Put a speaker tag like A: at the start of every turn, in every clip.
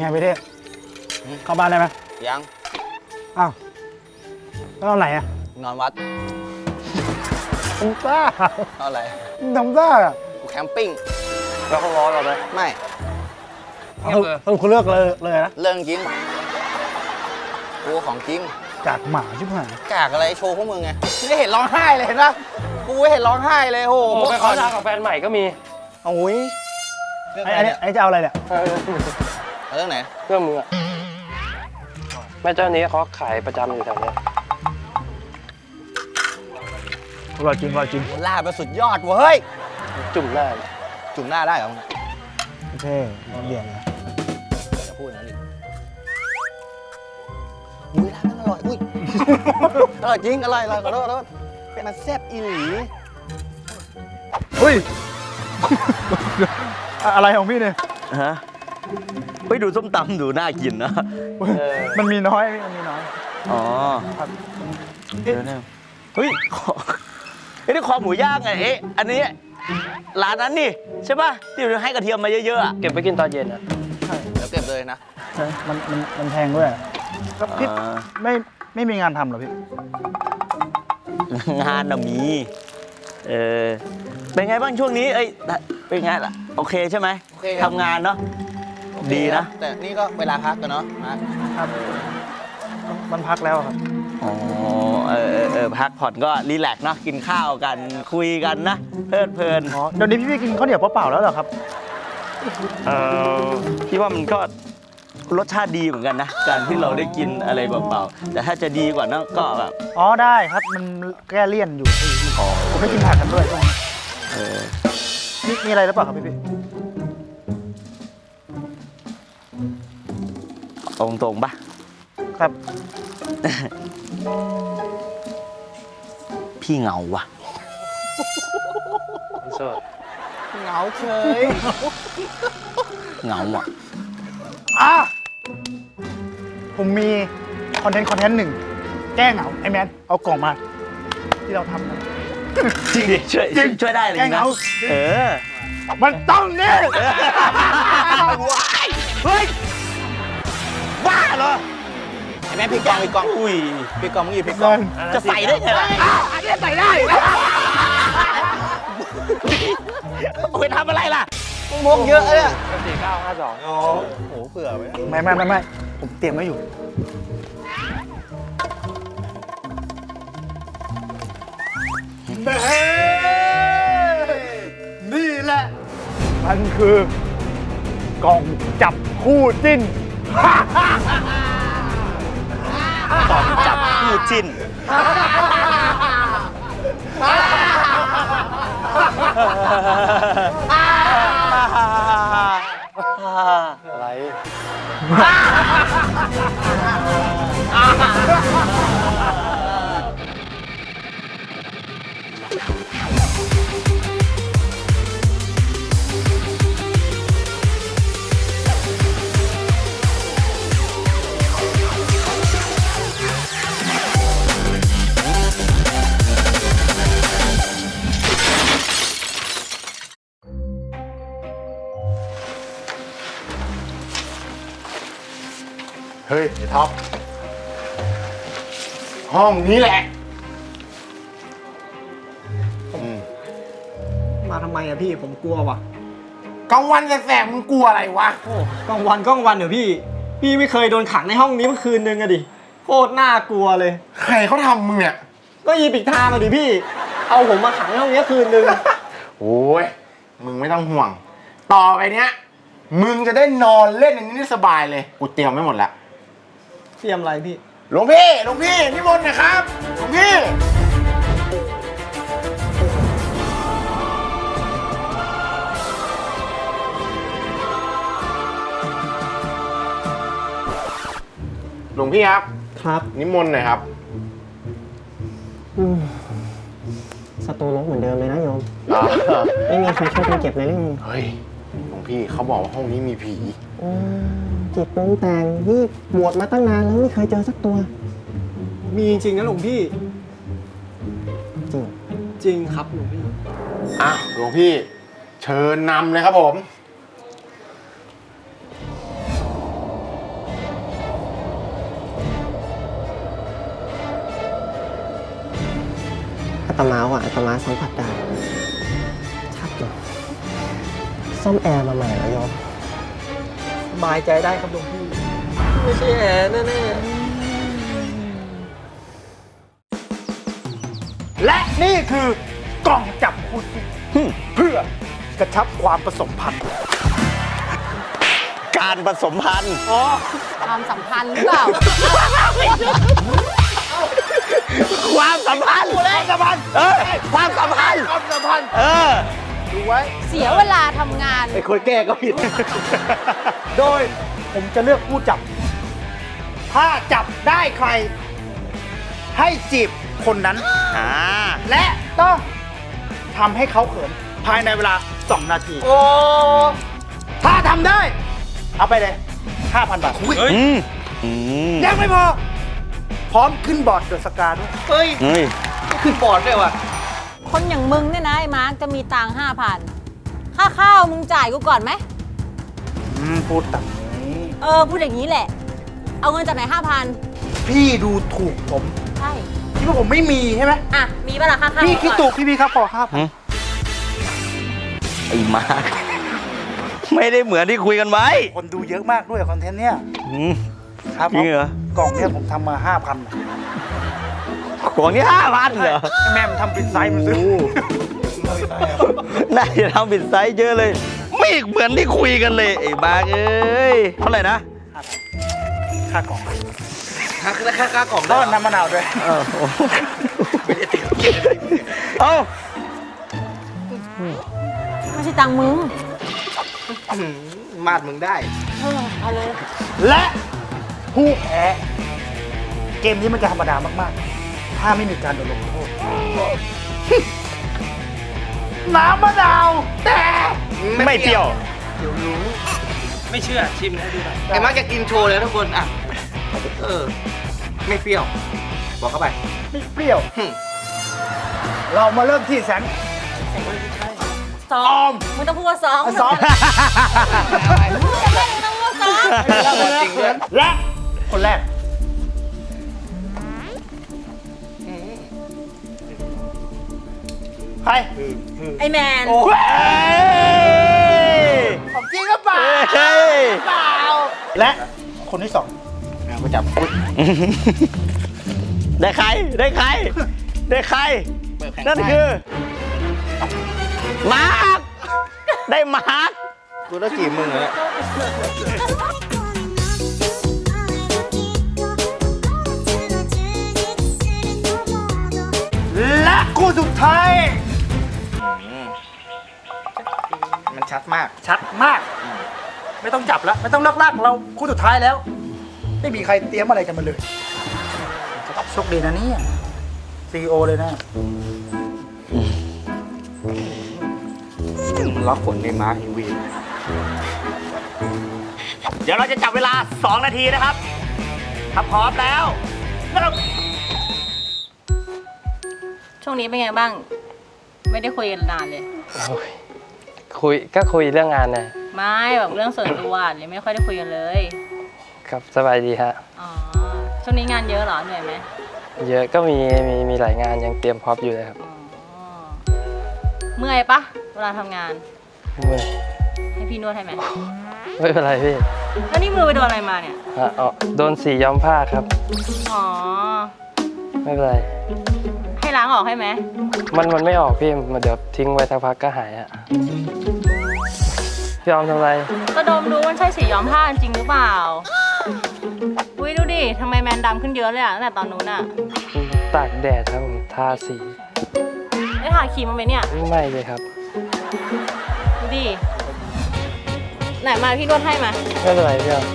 A: ไงพี่เท่เข้าบ้านได้ไหม
B: ยัง
A: อ้าวแล้วเอาไหนอะ
B: นอนวัด
A: ทำซ่า
B: เอาอะไร
A: ทำซ่าอะ
B: กูแคมปิ้ง
C: แล้วเขาร้อนเราไหม
B: ไม่
A: คุณเลือกเลยนะ
B: เรื่องจริงกูของจริง
A: จากหมาชิบหาย
B: กากอะไรโชว์พวกมึงไงไม่เห็นร้องไห้เลยเห็นปะกูเห็นร้องไห้เลยโห
C: ไปขอทางกับแฟนใหม่ก็มี
B: โอ้ย
A: ไอ้จะเอาอะไรเนี่ย
B: เรื่องไหน
C: เรื่องมึงอะแม่เจ้านี้เขาขายประจำอยู่แถวนี้
A: อร่อยจริงอร่อยจริง
B: ลาบไปสุดยอดเว้ย
C: จุ่มหน้า
B: จุ่มหน้าได้เหรอ
A: เท่เบี่ยงนะ
B: จะพูดอย่างนั้นดิอุ้ยร้านนั้นอร่อยอุ้ยอร่อยจริงอร่อยขอโทษเป็นอันแซ่บอีหลี
A: เฮ้ยอะไรของพี่เนี่ย
D: ฮะไปดูส้มตำดูน่ากินนะ
A: มันมีน้อยมันมีน้อย
D: อ๋อเฮ้ยนี่คอหมูย่างไงอันนี้ร้านนั้นนี่ใช่ป่ะที่ให้กระเทียมมาเยอะๆ
C: เก็บไปกินตอนเย็นนะ
B: ใช่เดี๋ยวเก็บเลยนะ
A: มันแพงด้วยแล้วพี่ไม่มีงานทำเหรอพี่
D: งานน่ะมีเป็นไงบ้างช่วงนี้เป็นไงล่ะโอเคใช่ไหมทำงานเนาะดีนะ
B: แต่นี่ก็เวลาพักกันเนาะ
A: ครับมันพักแล้วครับ
D: อ๋อพักผ่อนก็รีแลกซ์เนาะกินข้าวกันคุยกันนะเพลิน
A: อ๋อเดี๋ยวนี้พี่กินข้าวเหนียวเปล่าแล้วเหรอครับ
D: พี่ว่ามันก็รสชาติดีเหมือนกันนะการที่เราได้กินอะไรเปล่าๆแต่ถ้าจะดีกว่านั้นก็แบบ
A: อ๋อได้ครับมันแก้เลี่ยนอยู่ผมไม่กินผักกันด้วยมีอะไรหรือเปล่าครับพี่
D: ตรงๆป่ะ
A: ครับ
D: พี่เหงาว่ะ
B: เหงาเฉย
D: เหงาอ่ะ
A: ผมมีคอนเทนต์หนึ่งแก้เหงาไอ้แมนเอากล่องมาที่เราทำกัน
D: จริงช่วยได้เลยนะ
A: มันต้องเนี่ย
D: เฮ้ยบ้าเหรอ
B: ไอ้แม่พี่กอง
D: อุ้ย
B: พี่กองมึงอยู่พี่กอง
D: จะใส่ได้ไงล่ะ
A: อันนี้ใส่ได้
D: ไปทำอะไรล่ะ
B: มงเยอะเลย
C: 4952
B: อ๋อโหเผื่อไว้
A: ไม่ผมเตรียมไว้อยู่นี่แหละมันคือกล่องจับคู่จิ้น
D: กล่องจับคู่จิ้น
C: อะไร
E: เฮ้ยไอ้ท็อปห้องนี้แหละ
F: มาทำไมอะพี่ผมกลัวว่ะ
E: กลางวันแสบๆมึงกลัวอะไรวะ
F: โอ้กลางวันเดี๋ยวพี่ไม่เคยโดนขังในห้องนี้เมื่อคืนนึงอะดิโคตรน่ากลัวเลย
E: ใครเขาทำมึงเนี่ย
F: ก็ยีปิกทามาดิพี่เอาผมมาขังในห้องนี้คืนนึง
E: โอ้ยมึงไม่ต้องห่วงต่อไปเนี้ยมึงจะได้นอนเล่นในนี้ได้สบายเลยกูเตรียมไว้หมดแล้ว
F: เตรียมอะไรพี่
E: หลวงพี่นิมนต์นะครับหลวงพี่ครับนิมนต์หน่อยครับ
F: สตูรกเหมือนเดิมเลยนะโยมไม่มีใครช่วยกันเก็บเลยหรือไง
E: เฮ้ยหลวงพี่เขาบอกว่าห้องนี้มีผี
F: จิตปรุงแต่งนี่บวชมาตั้งนานแล้วไม่เคยเจอสักตัวมีจริงนะหลวงพี่จริงครับหลวงพี่
E: หลวงพี่เชิญนำเลยครับผม
F: อาตมาว่าอาตมาสัมผัสได้ชัดเลยซ่อมแอร์มาใหม่แล้วโยม
B: สบายใจได้ครับหลวงพี่ ไม่ใช่แอร์แน่
A: และนี่คือกล่องจับคู่จิ้นเพื่อกระชับความผสมพันธุ์
D: การผสมพันธุ์
G: ความสัมพันธ์หรือเปล่า
D: ความสัมพันธ์
A: ความสัมพันธ์
D: ความสัมพันธ์
A: ความสัมพันธ์ ดูไว้
G: เสียเวลาทำงาน
B: ๆไอ้คนแก้ก็ผิด
A: โดยผมจะเลือกผู้จับ ถ้าจับได้ใคร ให้จีบคนนั้น และต้องทำให้เขาเขินภายในเวลา 2 นาที
B: โอ้
A: ถ้าทำได้ เอาไปเลย 5,000 บาท ยังไม่พอ พร้อมขึ้นบอร์ดเดอะสกาด้วย
B: เฮ้ย ขึ้นบอร์ดด้วยว่ะ
G: คนอย่างมึงเนี่ยนะไอ้มาร์กจะมีตังค์5,000 ค่าข้าวมึงจ่ายกูก่อนไหม
A: พูดแบบนี้
G: พูดอย่างนี้แหละ เอาเงินจากไหน
A: พี่ดูถูกผม
G: 5,000 ใช่
A: คิดว่าผมไม่มีใช่ไหม
G: อ่ะ มีปะล่ะค่าข้าว
A: พี่คิด
G: ก่อน
A: ถูกพี่ครับขอ5,000
D: ไอ้มาร์คไม่ได้เหมือนที่คุยกันไว้
A: คนดูเยอะมากด้วยคอนเทนต์เนี้ย ครับ
D: จริงเหรอ
A: กล่องเนี้ยผมทำมา 5,000อะ
D: ของนี่5,000เหรอ
A: แม่มันทำเป็นไซส์มันซื้อ
D: น่าจะทำผิดไซส์เยอะเลย ไม่เหมือนที่คุยกันเลย ไอ้มาร์คเอ้ย เท่าไหร่นะ
A: ค่ากล่อง
B: ค่ากล่อง
A: แล้วน้ำมะนาวด้วย
B: ไม่ได้เตรียมเก็บอะไร
D: เอ้า
G: ไม่ใช่ตังค์มึง
B: มาดมึงได้
G: เอาเลย
A: และผู้แพ้เกมนี้มันจะธรรมดามากๆ ถ้าไม่มีการโดนลงโทษ น้ำมะนาวแต่
D: ไม่เปรี้ยว
C: ไม่เชื่อชิมให้ดูหน่อย
B: ไอ้มาร์กจะกินโชว์เลยทุกคน อ่ะ ไม่เปรี้ยว บอกเข้าไป
A: ไม่เปรี้ยว เรามาเริ่มที่แสน
G: สองมึงต้องพูดว่าสอง
A: สอง
G: มึงต้องพูดว่าสอง
B: จริงด้วย
A: และคนแรก ใคร
G: ไอแมน
A: ของจริงหรือเปล่า
D: เฮ้ย
A: เปล่า และคนที่สอง
B: มาจับปุ๊บ
D: ได้ใคร ได้ใคร ได้ใคร นั่นคือ มาร์ค ได้มาร์ค
B: กูต้องจีบมึงเหรอ
A: และคู่สุดท้าย
B: มันชัดมาก
A: ชัดมาก ไม่ต้องจับแล้ว ไม่ต้องเลิกลากเราคู่สุดท้ายแล้ว ไม่มีใครเตรียมอะไรกันมาเลยโชคดีนะเนี่ยCEO เลยนะ
B: มันล็อกผลในมาร์กอีวี
D: เดี๋ยวเราจะจับเวลา 2 นาทีนะครับ ถ้าพร้อมแล้วเริ่ม
G: ช่วงนี้เป็นไงบ้าง ไม่ได้คุยกันนานเลย
C: คุยเรื่องงานนะ
G: ไม่แบบเรื่องส่วนตัวเลยไม่ค่อยได้คุยกันเลย
C: ครับสบายดีฮะ
G: อ๋อ ช่วงนี้งานเยอะเหรอ เหนื่อยไหม
C: เยอะก็มีหลายงานยังเตรียมพร็อพอยู่เลยครับ
G: อ๋อ เมื่อยปะเวลาทำงาน
C: เมื่อย
G: ให้พี่นวดให้ไหม
C: ไม่เป็นไรพี่
G: แล้วนี่มือไปโดนอะไรมาเนี่ย
C: โดนสีย้อมผ้าครับ
G: อ๋อ
C: ไม่เป็นไร
G: ให้ล้างออกให้ไหม
C: มันไม่ออกพี่เดี๋ยวทิ้งไว้สักพักก็หายอะพี่ออมทำอะไร
G: ก็ดมดูมันใช่สีย้อมผ้าจริงหรือเปล่า อุ้ยดูดิทำไมแมนดำขึ้นเยอะเลยอะตั้งแต่ตอนนู้นอะ
C: ตากแดดครับผมทาสี
G: ได้ทาครีมมาไหมเนี่ย
C: ไม่เลยครับ
G: ดูดิ ไหนมาพี่นวดให้มา
C: ไม่เป็นไรพี่ออม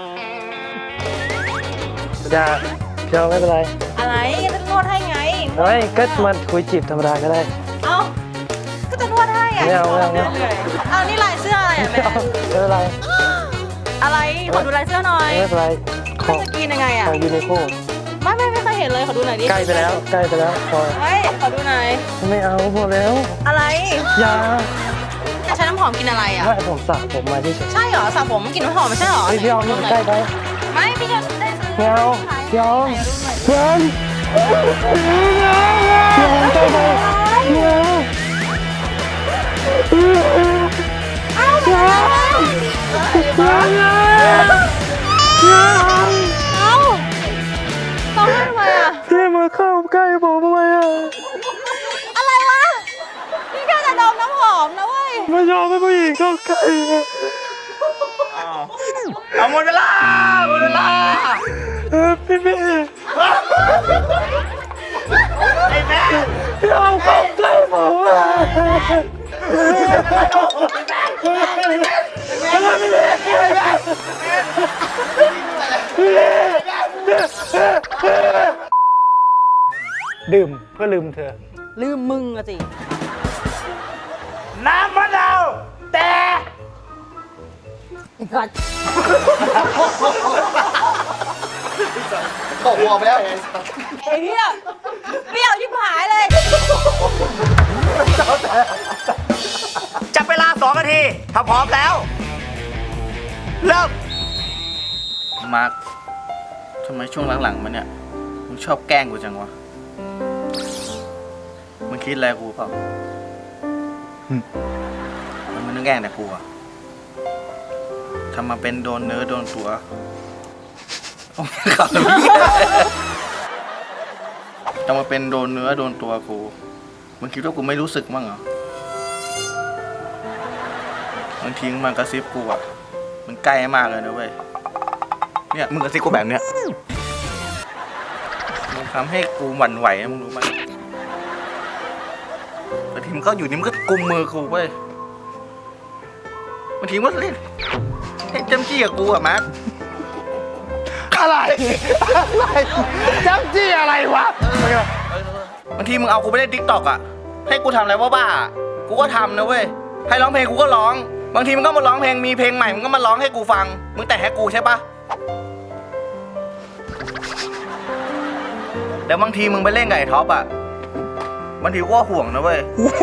C: อย่าพี่ออมไม่เป็นไร
G: อะไรจะนวดให้ไง
C: ไม่ก็มาคุยจีบธรรมดาก็ได้
G: เอ้า ก็จะนวดให้อะ
C: ไม่เอาไม่เอาไม่เอา
G: รื่อยๆเอานี่ลายเสื้ออะไรอะแมน
C: ไม่เป็นไร
G: อะไร ขอดูลายเสื้อหน่อย
C: ไม่เป็นไรข
G: มั
C: อน ง
G: จะกินยังไงอะ
C: ยูนิโค
G: ไม่เคยเห็นเลย ขอดูหน่อยดิ
C: ใกล้ไปแล้วพอ
G: ไม่ขอดูหน่อย
C: ไม่เอาพอแล้ว
G: อะไร
C: อย่า
G: จะใช้น้ำหอมกินอะไรอะ
C: ไม่ผมสระผมมาที่เฉย
G: ใช่เหรอสระผมกินน้ำหอมไม่ใช่เหรอ
C: เฮ้ยพี่ออมนี่มันใกล้ไป
G: ไม่พี่จะได้ซื้อ
C: ไม่เอาพี่ออม
G: ไหนดูหน่อย
C: เพื่อนพี่ออมใกล้ไปยอมให้ผู้หญิงเข้าใกล้
D: เอาหมดเวลา
C: พี่เมย์
D: ไอ้แม่
C: พี่เอาเข้าใกล้ผมอะ
A: ดื่มเพื่อลืมเธอ
G: ลืมมึงอะสิ
A: น้ำมะนาวแต่
B: ตกหัวไปแล้ว
G: ไอ้เนี่ยเปรี้ยวชิบหายเลย
D: จับเวลา2 นาที ถ้าพร้อมแล้ว เริ่ม มาร์คทำไมช่วงหลังๆมันเนี่ย มึงชอบแกล้งกูจังวะ มึงคิดอะไรกูเปล่ามึงนึกแกล้งแต่กูอะทำมาเป็นโดนเนื้อโดนตัวโอ้ยขับทำมาเป็นโดนเนื้อโดนตัวกู มึงคิดว่ากูไม่รู้สึกมั้งเหรอ บางทีมันกระซิบกูอ่ะ มันใกล้มากเลยนะเว้ย เนี่ยมึงกระซิบกูแบบเนี้ย มึงทำให้กูหวั่นไหวนะมึงรู้ไหมบางทีมันก็อยู่นี่มันก็กุมมือกูเว้ยบางทีมันก็เล่นเจ้มจี้กับกูอ่ะมาร์ค
A: อะไรจับจี้อะไรวะ
D: บางทีมึงเอากูไปเล่นทิกตอกอ่ะ ให้กูทำอะไรบ้าๆกูก็ทำนะเว้ย ให้ร้องเพลงกูก็ร้อง บางทีมึงก็มาร้องเพลง มีเพลงใหม่มึงก็มาร้องให้กูฟัง มึงแต่งให้กูใช่ปะเดี๋ยวบางทีมึงไปเล่นกับไอ้ท็อปอ่ะ บางทีกูก็ห่วงนะเว้ย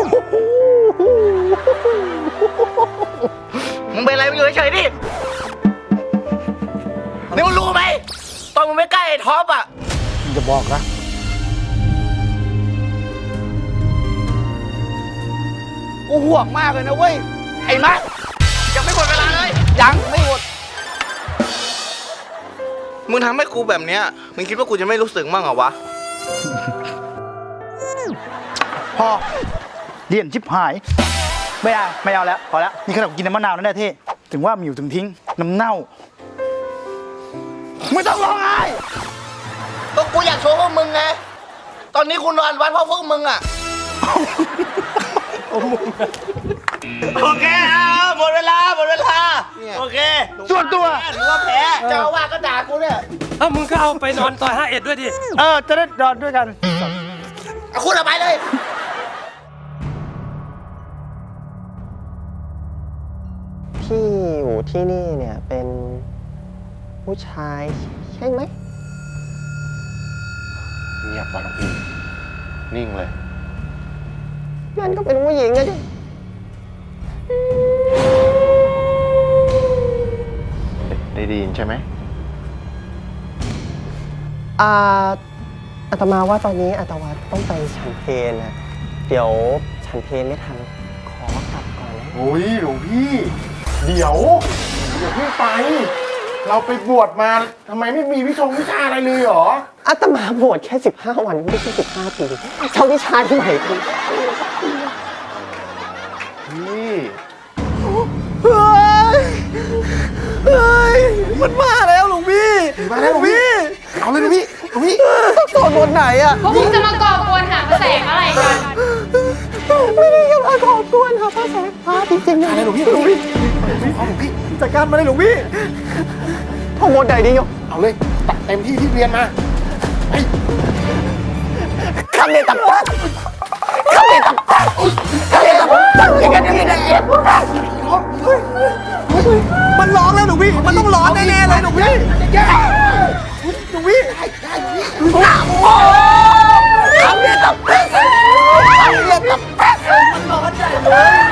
D: มึงเป็นอะไรมึงอยู่เฉยๆดินี่มึงรู้ไหมตอนมึงไม่ใกล้ไอ้ท็อปอ่ะ
A: มึงจะบอกนะ
D: กูห่วงมากเลยนะเว้ย ไอ้มาร์คยังไม่หมดเวลาเลย ยังไม่หมด มึงทำให้กูแบบเนี้ย มึงคิดว่ากูจะไม่รู้สึกมั่งเหรอวะ
A: พอเลี่ยนชิบหาย ไม่เอาแล้ว พอแล้ว นี่ขนาดกินน้ำมะนาวนั่นแหละที่ ถึงว่ามีอยู่ถึงทิ้ง น้ำเน่า ไม่ต้องร้องไห้
D: ก็กูอยากโชว์พวกมึงไง ตอนนี้กูนอนวัดเพราะพวกมึงอ่ะ โอเคหมดเวลา โอเค
A: ส่วนตัว
D: หรือว่าแพ้เจ้าอาว่าสก็ด่ากูเนี่ย
C: เอามึงก็เอาไปนอนซอย51ด้วยดิ
A: จะได้นอนด้วยกัน
D: เอาคุณเอาไปเลย
F: ที่อยู่ที่นี่เนี่ยเป็นผู้ชายใช่ไหม
E: เงียบว่ะน้องพี่ นิ่งเลย
F: นั่นก็เป็นผู้หญิงนะดิ
E: ได้ยินใช่ไหม
F: อาตมาว่าตอนนี้อาตมาต้องไปฉันเพลนะ เดี๋ยวฉันเพลไม่ทัน ขอกลับก่อนนะ
E: โอ้ยหลวงพี่ เดี๋ยวเพิ่งไป เราไปบวชมาทำไมไม่มีวิชาอะไรเลยเหรอ
F: อาตมาบวชแค่ 15 วันไม่ใช่15 ปีเช่าวิชาที่ไหนคุณ
E: พี่
F: เฮ้ย มันมาแล้วหลวงพี่
E: มาแล้วหลวงพี่ เอาเลยหลวงพี่หลวงพี่
F: ต้องสวดบทไหนอะ
H: พวกมึงจะมาก่อกวนหาพระแสงอะไรกัน
F: ไม่ได้จะมาขอบวนค่ะพระแสงพระจริงๆนะ
E: อะไรหลวงพี่หลวงพี่เอาหลวงพี่
F: จัดการมาเลยหลวงพี่ท่องบทไหนดีโย
E: เอาเลยตัดเต็มที่ที่เรียนมาไป
F: คำเดตับปัดคำเดตับปัดคำเดตับปัดอย่างนั้นอย่างนี้นะมันร้องแล้วหลวงพี่ มันต้องร้องแน่ๆเลยหลวงพี่หลวงพี่หนักโอ้คำเดตับปัดคำเดตับปัดมันร้อนใจเลย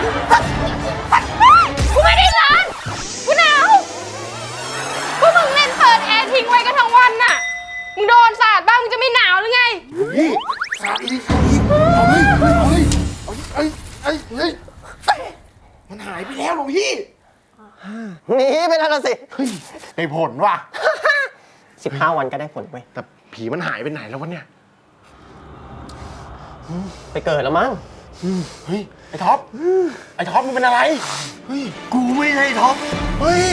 H: กูไม่ได้ร้านกูหนาวพวกมึงเล่นเปิดแอร์ทิ้งไว้กันทั้งวันน่ะ มึงโดนสาดบ้างมึงจะไม่หนาวหรือไง
E: พี่สาดอีกเอาเลยเอาเลยมันหายไปแล้วหลวงพี่
F: หนีไปแล้วล่ะสิ
E: เฮ้ยได้ผลว่ะ
F: 15 วันก็ได้ผลเว้ย
E: แต่ผีมันหายไปไหนแล้ววะเนี่ย
F: ไปเกิดแล้วมั้ง
E: เฮ้ย ไอ้ท็อป ไอ้ท็อปมึงเป็นอะไร เฮ้ย
A: กูไม่ใช่ท็อป
E: เฮ้ย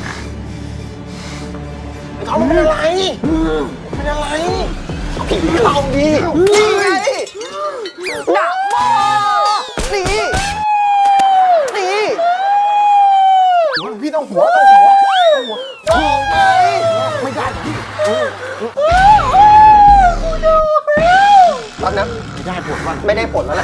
E: ไอ้ท็อปมึงเป็นอะไรเป็นอะไร
B: ผีเข้าดีนี่ไงหนักมากนี่นี่
E: หลวงพี่ต้องหัว
B: ออกไป
E: ไม่ได้พี่
B: ตอนนั้น
E: ไม่ได้ผลว่ะ
B: ไม่ได้ผลแล้วนะ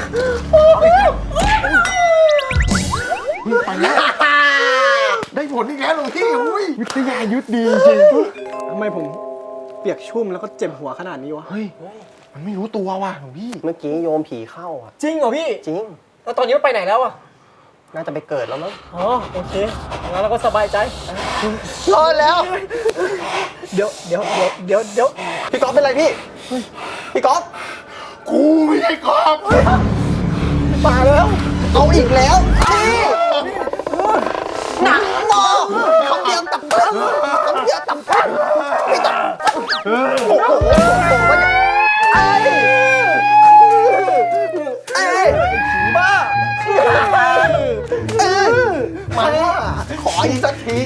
E: ไปแล้ว ได้ผลอีกแล้วหลวงพี่อุ้ยวิทยายุทธดีจริง
F: ทำไมผมเปียกชุ่มแล้วก็เจ็บหัวขนาดนี้วะ
E: เฮ้ย มันไม่รู้ตัวว่ะหลวงพี่
B: เมื่อกี้โยมผีเข้าอ่ะ
F: จริงเหรอพี่
B: จริง
F: แล้วตอนนี้มันไปไหนแล้วอะ
B: น่าจะไปเกิดแล้วมั้ง
F: อ๋อโอเคงั้นเราก็สบายใจ
B: รอดแล้ว
F: เดี๋ยว
B: พี่ก๊อฟเป็นไรพี่พี่ก๊อฟ
E: กูไม่ใช่กอบ
B: มาแล้ว เอาอีกแล้วนี่หนักมากเขาเดียวตับเบิ้ลเขาเดียวตับเบิ้ลไม่ตับโอ้โหไอ้ผีบ้ามาขออีกสักที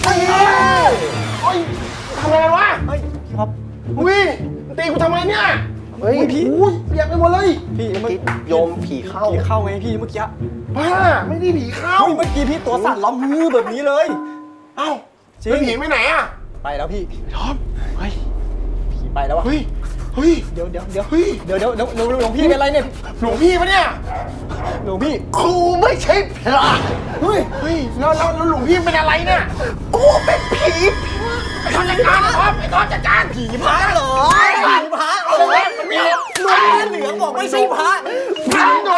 E: ทำอะไรวะอุ้ยตีกูทำไมเนี่ย
B: เฮ้ยพี่
E: อุ้ยเปียกไปหมดเลย
F: พี่เมื่อกี้
B: โยมผีเข้า
F: ผีเข้าไงพี่เมื่อกี้
E: บ้า ไม่ได้ผีเข้า
F: เฮ้ยเมื่อกี้พี่ตัวสั่นร้องฮือแบบนี้เลย
E: เอ้า
F: จริง
E: แล้วผีไปไหนอ่ะ
F: ไปแล้วพี่
E: ท็อป เฮ้ย
F: ผีไปแล้ววะ
E: เฮ้ย เฮ้ย
F: เดี๋ยว
E: เฮ้ย
F: หลวงพี่เป็นไรเนี่ย
E: หลวงพี่ปะเนี่ย
F: หลวงพี่
B: ครูไม่ใช่พระ
E: เฮ้ย เฮ้ย แล้วหลวงพี่เป็นอะไรเนี่ย
B: กูเป็นผี
E: ไอ้ท็อปจัดการท็อปไอ้ท็อปจัดการผี
F: พระเหรอผีพระเอาเลยมันมีหลวงพ่อเหลืองบอกไม่ใช่พระพระเหรอ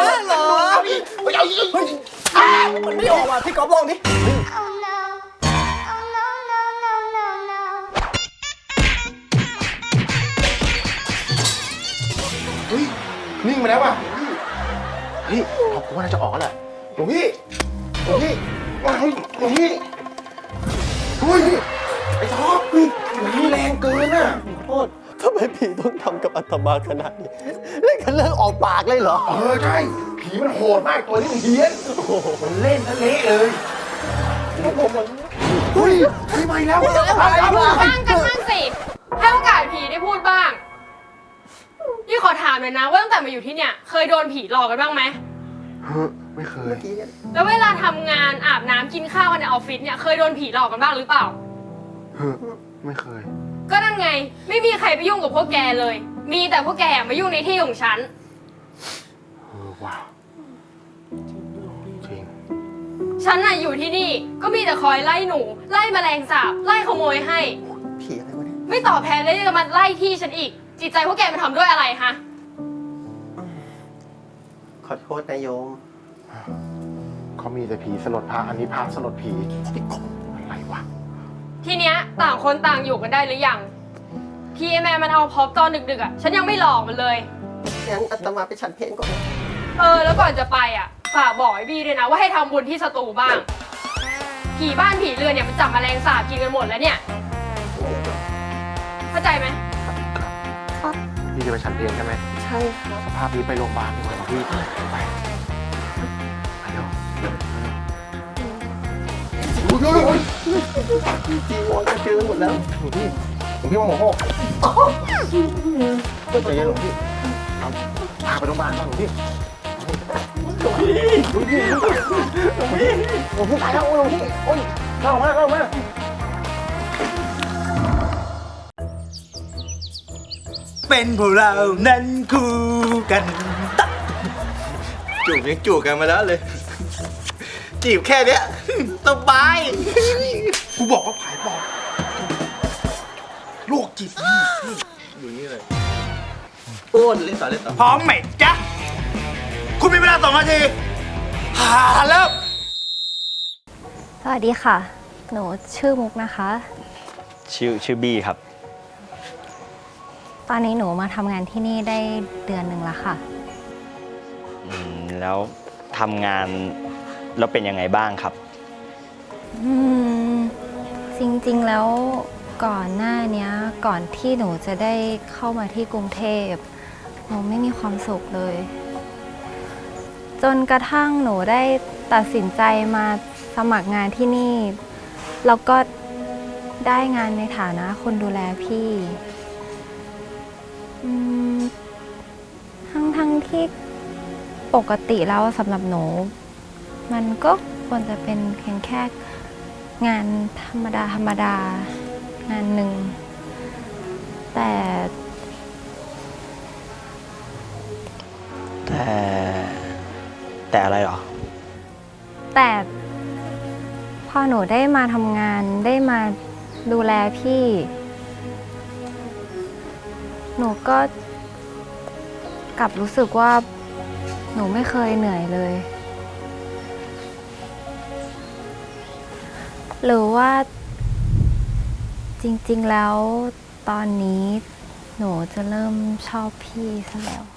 F: มันไม่ออกว่ะพี่ก๊อฟลองดิ
H: Oh no. Oh no, no, no, no, no.
E: เฮ้ย นิ่งไปแล้วว่ะเฮ้ยท็อปกูว่าน่าจะออกแล้วแหละหลวงพี่หลวงพี่เฮ้ยหลวงพี่เฮ้ย ไอ้ท็อปนี่แรงเกินอ่ะ
B: โทษทำไมผีต้องทำกับอาตมาขนาดนี้เล่นกันเรื่องออกปากเลยเหรอ
E: ใช่ ผีมันโหดมากตัวนี้มันเฮี้ยนมันเล่นทะเละเลยเฮ้ยไม่ไหวแล้ว
H: บ้างกันบ้างสิ ให้โอกาสผีได้พูดบ้าง พี่ขอถามเลยนะว่าตั้งแต่มาอยู่ที่เนี่ย เคยโดนผีหลอกกันบ้างไหม
E: ไม่เคย
H: แล้วเวลาทำงานอาบน้ำกินข้าวกันในออฟฟิศเนี่ยเคยโดนผีหลอกกันบ้างหรือเปล่า
E: ไม่เคย
H: ก็นั่นไง ไม่มีใครไปยุ่งกับพวกแกเลย มีแต่พวกแกมายุ่งในที่ของฉัน
E: ว้าวจริง
H: ฉันน่ะอยู่ที่นี่ก็มีแต่คอยไล่หนู ไล่แมลงสาบ ไล่ขโมยให้
B: ผีอะไรวะเนี่ย
H: ไม่ตอบแทนเลยจะมาไล่ที่ฉันอีก จิตใจพวกแกมันทำด้วยอะไรฮะ
B: ขอโทษนะโยม
E: เขามีแต่ผีสลดพระอันนี้พระสลดผีอะไรวะ
H: ทีเนี้ยต่างคนต่างอยู่กันได้หรือยังพี่แม่มันเอาพร็อพตอนดึกๆอ่ะฉันยังไม่หลอกมันเลย
B: งั้นอาตมาไปฉันเพลงก่อนนะ
H: แล้วก่อนจะไปอ่ะฝากบอกไอ้บี้ด้วยนะว่าให้ทำบุญที่สตูบ้าง ผีบ้านผีเรือนเนี่ยมันจับแมลงสาบกินกันหมดแล้วเนี่ยเข้าใจไหม
E: พี่จะไปฉันเพลงใช่ไหม
B: ใช่ครับ
E: สภาพนี้ไปโรงพยาบาลดีกว่าพี่ไปไปเร็ว
B: จีวรจะเจอหมดแล้ว
E: หลวงพี่ว่าหมอโหกใจเย็นหลวงพี่ครับพาไปโรงพยาบาลก่อนหลวงพี่หลวงพี่ตายแล้วหลวงพี่โอ้ยเข้ามา
A: เป็นพวกเรานั้นคู่กัน
B: จูบยังจูบกันมาแล้วเลย จีบแค่เนี้ยสบาย
E: กูบอกว่าผายปอดโรคจิต
B: อยู่นี่เลยโอ้เล่นต่อเล่นต่อ
A: พร้อมไหมจ๊ะ คุณมีเวลา2 นาทีเริ่ม
I: สวัสดีค่ะ หนูชื่อมุกนะคะ
C: ชื่อบี้ครับ
I: ตอนนี้หนูมาทำงานที่นี่ได้เดือนหนึ่งแล้วค่ะ
C: แล้วทำงานแล้วเป็นยังไงบ้างครับ
I: อืม จริงๆแล้วก่อนหน้าเนี้ย ก่อนที่หนูจะได้เข้ามาที่กรุงเทพหนูไม่มีความสุขเลยจนกระทั่งหนูได้ตัดสินใจมาสมัครงานที่นี่ แล้วก็ได้งานในฐานะคนดูแลพี่ทั้งที่ปกติแล้วสำหรับหนู มันก็ควรจะเป็นเพียงแค่งานธรรมดางานหนึ่ง
B: แต่อะไรหรอ
I: แต่พอหนูได้มาทำงานได้มาดูแลพี่ หนูก็กลับรู้สึกว่าหนูไม่เคยเหนื่อยเลย หรือว่าจริงๆแล้วตอนนี้หนูจะเริ่มชอบพี่ซะแล้ว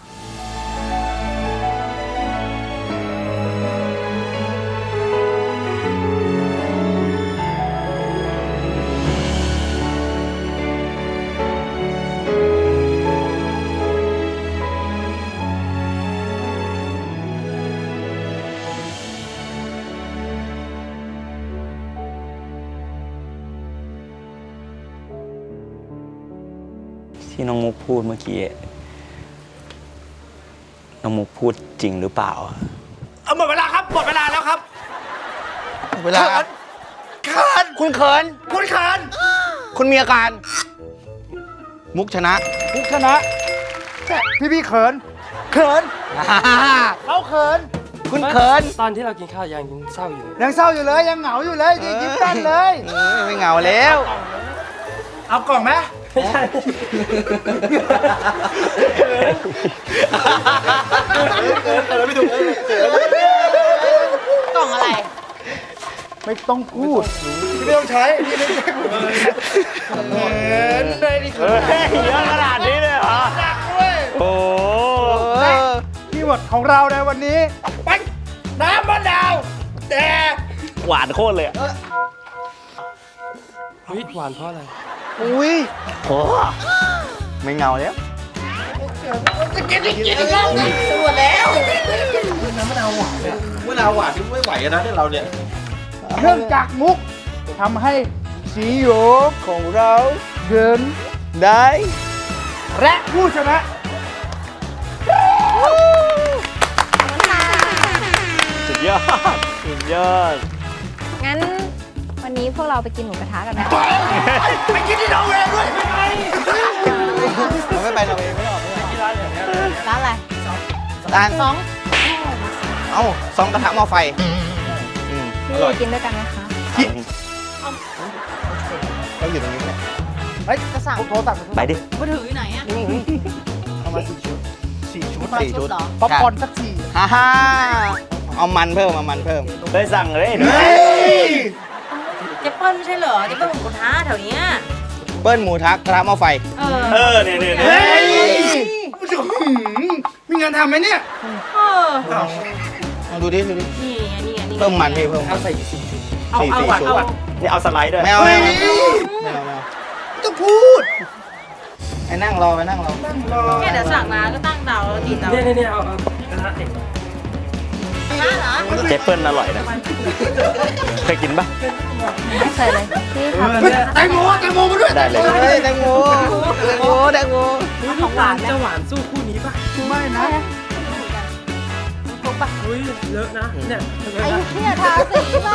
B: ที่น้องมุกพูดเมื่อกี้ น้องมุกพูดจริงหรือเปล่า
A: หมดเวลาครับ หมดเวลาแล้วครับ
F: เวลา
A: เขิน
F: คุณเขิน
A: คุณเขิน
F: คุณมีอาการ มุกชนะ
A: มุกชนะใช่พี่เขิน เขินเขาเขิน
F: คุณเขิน
C: ตอนที่เรากินข้าวยังเศร้าอยู่
A: ยังเศร้าอยู่เลย ยังเหงาอยู่เลยยังยิ้มแป้นเลย
F: ไม่เหงาแล้ว
A: เอากล่องไหม
C: ไม่ใช่
G: กล่องอะไร
A: ไม่ต้องพูดไม่ต้องใช้พี่ไม่ใช่ผมเลยเขินเลยดิเขิน
B: เยอะขนาดนี้เลยเหรอ
A: หนักด้วย
B: โอ้
A: คีย์เวิร์ดของเราในวันนี้ไปน้ำมะนาวแต่
B: หวานโคตรเลยอะ
C: เฮ้ยหวานเพราะอะไร
F: อุ้ย
B: โอ้ไม่เงาแล้ว
E: มะนาวหวานที่ไม่ไหวนะที่เราเนี่ย
A: เนื่องจากมุกทำให้สีโยของเราเดิน
F: ได้
A: และผู้ชนะ
B: สุดยอด สุดยอด
I: งั้นวันนี้พวกเราไปกินหมูกระทะกันไหม
A: ไปกินที่นอร์เวย์ด้วยไม่ไป
F: เราไม่ไปเราเองไม่ออก
I: ร้านอะไร
F: ร้าน
I: สอง
F: เอ้าซองกระทะหม้อไฟ
I: พี่กินด้วยกันไหมคะ
F: เราอยู่ตรงนี้เนี่ย
A: เฮ้ย
I: จะสั่ง
A: โทรสั่ง
B: ไปดิ
G: มือถืออยู่ไหนอะ
A: เอามา4 ชุด 4 ชุด
F: 4 ชุด
G: เหรอ
A: ป๊อปคอร์นสัก4
F: ฮ่าฮ่าเอามันเพิ่มเอามันเพิ่ม
B: ไปสั่งเลย
A: เฮ้ย
G: เจเปิ้ลไม่ใช่เหรอ เจเปิ้ลหมูกระทะแถวเนี้ย
F: เบิ้ลหมูทักกระทะหม้อไฟ
B: เออเนี่ยเนี่ย
A: เฮ้ยมีงานทำไหมเนี่ย
G: เออ
F: ลองดูดิดูดิ
G: นี่ไงนี่ไงนี่ไง
F: เพิ่มมันพี่เพิ่ม
C: เอาใส่กี่ชุด
G: เอา
F: สี่
G: เอา
F: ชุด
G: เอา
B: นี่เอาสไลด์ด้วย
F: ไม่เอา
A: เฮ้
F: ไม่
A: ย
F: เอาไม่เอาไม่เอา
A: ต้องพูด
F: ไปนั่งรอไปนั่งรอ
G: แค่เดี๋ยวสั่งมาก็ตั้งเตาแล้วติดเตา
C: เนี่ยเอากระทะเด็ก
B: เจเปิลอร่อยนะ เคยกินปะ
I: ไม่เคยเลย พี่ค่ะ
A: แตงโมมาด้วย
B: ได้เลย
F: เฮ้ยแตงโมแตงโมแตงโม
G: ของหวานไหม
C: จะหวานสู้คู่นี้ป่ะ
A: ไม่นะ
C: อุ้ยเลอะนะเนี่ย
I: ไอ้เหี้ยทาสีมา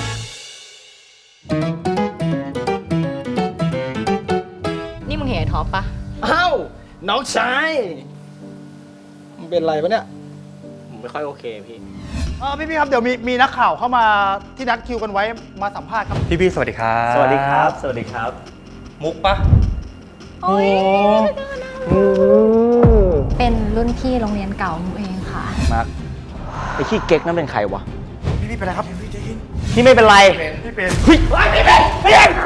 G: นี่มึงเห็นไอ้ท็อปปะ
F: อ้าวน้องชายมันเป็นไรปะเนี่ยผมไม่ค่อยโอเคพี่
A: พี่ครับเดี๋ยวมีนักข่าวเข้ามาที่นัดคิวกันไว้มาสัมภาษณ์ครับ
B: พี่ๆสวัสดีครับ สวัสดีครับ สวัสดีครับ มุกปะ
I: โอ้ยเป็นรุ่นพี่โรงเรียนเก่าหนูเองค่ะ
B: มาร์คไอ้ขี้เก๊กนั่นเป็นใครวะ
A: พี่เป็นไรครับ
B: พี่ไม่เป็นไร
A: พี่เป็น
B: เฮ้ยพี่เป็น